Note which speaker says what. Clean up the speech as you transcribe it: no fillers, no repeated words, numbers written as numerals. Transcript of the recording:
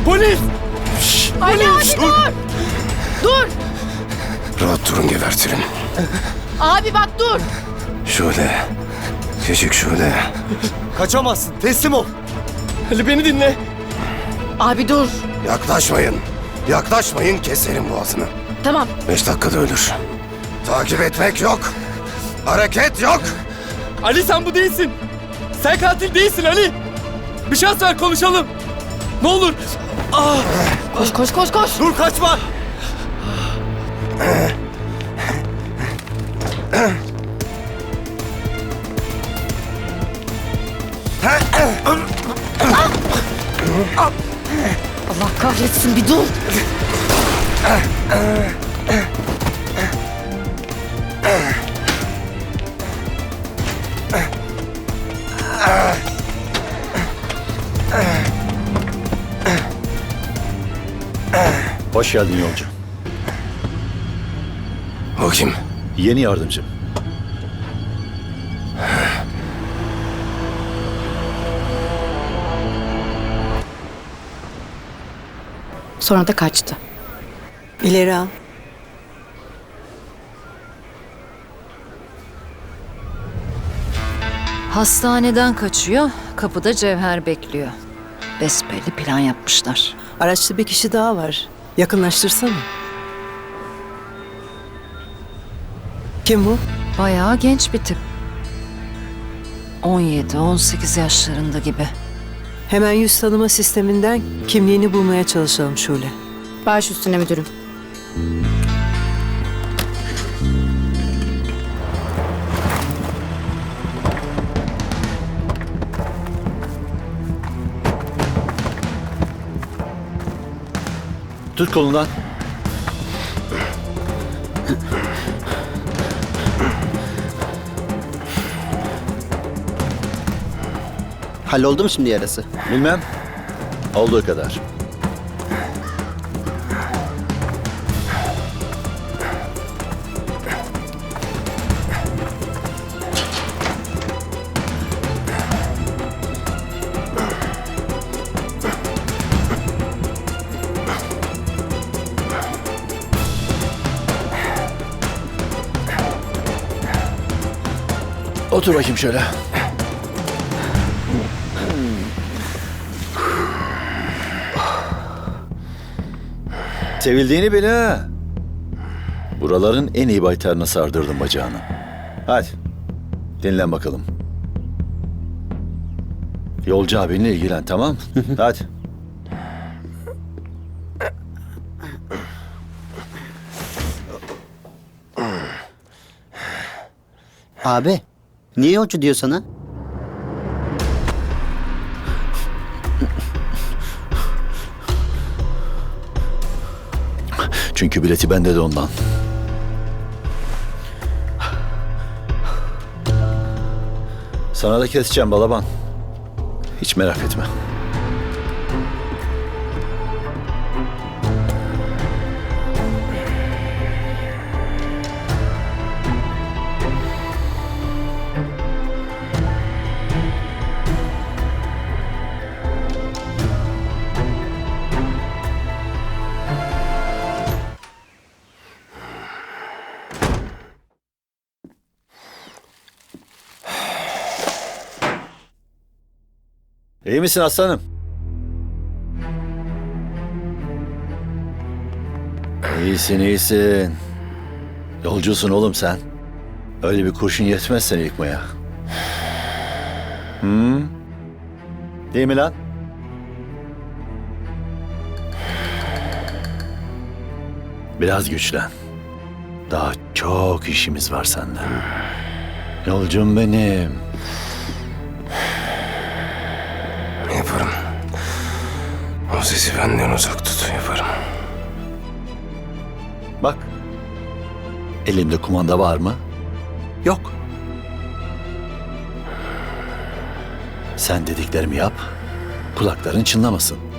Speaker 1: Polis!
Speaker 2: Ali
Speaker 1: Polis!
Speaker 2: abi dur! Dur!
Speaker 3: Rahat durun, gebertirim.
Speaker 2: Abi bak dur!
Speaker 3: Şule. Küçük Şule.
Speaker 1: Kaçamazsın. Teslim ol. Ali beni dinle.
Speaker 2: Abi dur!
Speaker 3: Yaklaşmayın. Yaklaşmayın, keserim boğazını.
Speaker 2: Tamam.
Speaker 3: 5 dakikada ölür. Takip etmek yok. Hareket yok.
Speaker 1: Ali sen bu değilsin. Sen katil değilsin Ali. Bir şans ver, konuşalım. Ne olur.
Speaker 2: Koş koş koş koş!
Speaker 1: Dur, kaçma.
Speaker 2: Allah kahretsin, bir dur!
Speaker 4: Hoş geldin yolcu.
Speaker 3: O kim?
Speaker 4: Yeni yardımcım.
Speaker 2: Sonra da kaçtı.
Speaker 5: İleri al.
Speaker 6: Hastaneden kaçıyor, kapıda Cevher bekliyor. Besbelli plan yapmışlar.
Speaker 5: Araçta bir kişi daha var. Yakınlaştırsana. Kim bu?
Speaker 6: Bayağı genç bir tip. 17-18 yaşlarında gibi.
Speaker 5: Hemen yüz tanıma sisteminden kimliğini bulmaya çalışalım Şule.
Speaker 2: Baş üstüne müdürüm.
Speaker 4: Tut kolundan.
Speaker 7: Halloldu mu şimdi yarası?
Speaker 4: Bilmem. Olduğu kadar. Otur bakayım şöyle. Sevildiğini bil ha. Buraların en iyi baytarına sardırdım bacağını. Hadi. Dinlen bakalım. Yolcu abinle ilgilen, tamam? Hadi.
Speaker 7: Abi, niye yolcu diyor sana?
Speaker 4: Çünkü bileti bende de ondan. Sana da keseceğim balaban. Hiç merak etme. İyi misin aslanım? İyisin, iyisin. Yolcusun oğlum sen. Öyle bir kurşun yetmez seni yıkmaya. Hı? Değil mi lan? Biraz güçlen. Daha çok işimiz var seninle. Yolcum benim.
Speaker 3: Yaparım. O sesi benden uzak tut, yaparım.
Speaker 4: Bak. Elimde kumanda var mı? Yok. Sen dediklerimi yap. Kulakların çınlamasın.